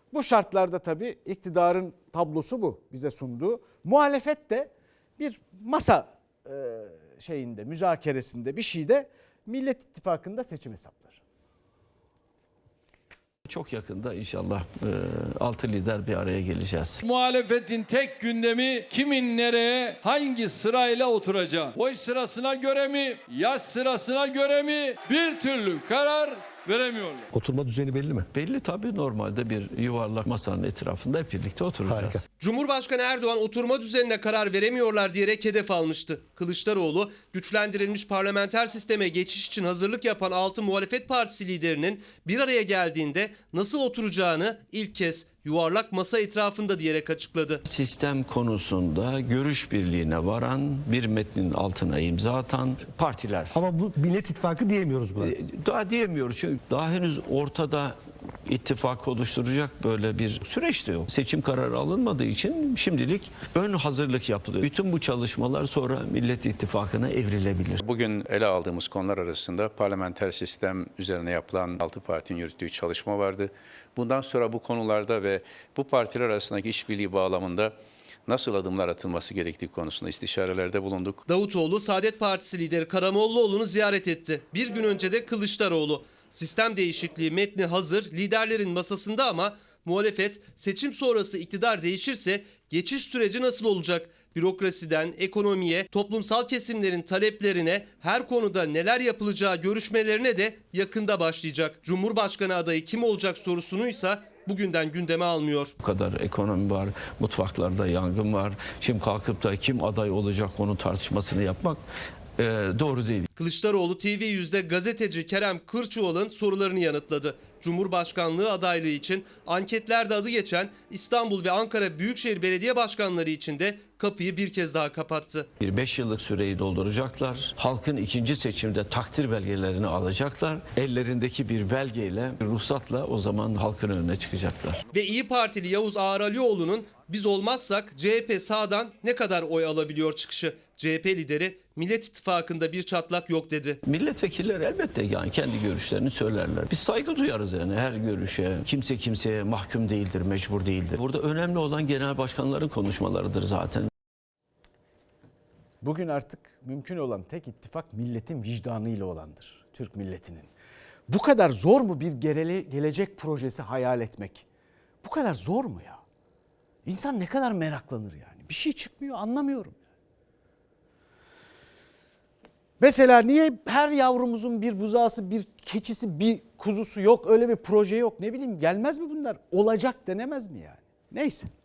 Bu şartlarda tabii iktidarın tablosu bu bize sunduğu. Muhalefet de bir masa müzakeresinde bir şeyde Millet İttifakı'nda seçim hesapları. Çok yakında inşallah 6 lider bir araya geleceğiz. Muhalefetin tek gündemi kimin nereye, hangi sırayla oturacağı. Boy sırasına göre mi, yaş sırasına göre mi bir türlü karar veremiyorlar. Oturma düzeni belli mi? Belli tabii, normalde bir yuvarlak masanın etrafında hep birlikte oturacağız. Harika. Cumhurbaşkanı Erdoğan oturma düzenine karar veremiyorlar diyerek hedef almıştı. Kılıçdaroğlu güçlendirilmiş parlamenter sisteme geçiş için hazırlık yapan 6 muhalefet partisi liderinin bir araya geldiğinde nasıl oturacağını ilk kez yuvarlak masa etrafında diyerek açıkladı. Sistem konusunda görüş birliğine varan, bir metnin altına imza atan partiler. Ama bu Millet İttifakı diyemiyoruz buna. Daha diyemiyoruz çünkü daha henüz ortada ittifak oluşturacak böyle bir süreç de yok. Seçim kararı alınmadığı için şimdilik ön hazırlık yapılıyor. Bütün bu çalışmalar sonra Millet İttifakı'na evrilebilir. Bugün ele aldığımız konular arasında parlamenter sistem üzerine yapılan 6 partinin yürüttüğü çalışma vardı. Bundan sonra bu konularda ve bu partiler arasındaki işbirliği bağlamında nasıl adımlar atılması gerektiği konusunda istişarelerde bulunduk. Davutoğlu Saadet Partisi lideri Karamollaoğlu'nu ziyaret etti. Bir gün önce de Kılıçdaroğlu. Sistem değişikliği metni hazır, liderlerin masasında ama muhalefet seçim sonrası iktidar değişirse geçiş süreci nasıl olacak? Bürokrasiden ekonomiye, toplumsal kesimlerin taleplerine, her konuda neler yapılacağı görüşmelerine de yakında başlayacak. Cumhurbaşkanı adayı kim olacak sorusunuysa bugünden gündeme almıyor. Bu kadar ekonomi var, mutfaklarda yangın var. Şimdi kalkıp da kim aday olacak onun tartışmasını yapmak doğru değil. Kılıçdaroğlu TV100'de gazeteci Kerem Kırçuval'ın sorularını yanıtladı. Cumhurbaşkanlığı adaylığı için anketlerde adı geçen İstanbul ve Ankara Büyükşehir Belediye Başkanları için de kapıyı bir kez daha kapattı. 5 yıllık süreyi dolduracaklar. Halkın ikinci seçimde takdir belgelerini alacaklar. Ellerindeki bir belgeyle, bir ruhsatla o zaman halkın önüne çıkacaklar. Ve İyi Partili Yavuz Ağralioğlu'nun biz olmazsak CHP sağdan ne kadar oy alabiliyor çıkışı. CHP lideri Millet İttifakı'nda bir çatlak yok dedi. Milletvekilleri elbette yani kendi görüşlerini söylerler. Biz saygı duyarız yani her görüşe. Kimse kimseye mahkum değildir, mecbur değildir. Burada önemli olan genel başkanların konuşmalarıdır zaten. Bugün artık mümkün olan tek ittifak milletin vicdanıyla olandır. Türk milletinin. Bu kadar zor mu bir gelecek projesi hayal etmek? Bu kadar zor mu ya? İnsan ne kadar meraklanır yani. Bir şey çıkmıyor, anlamıyorum. Mesela niye her yavrumuzun bir buzağısı, bir keçisi, bir kuzusu yok? Öyle bir proje yok. Ne bileyim, gelmez mi bunlar? Olacak denemez mi yani? Neyse.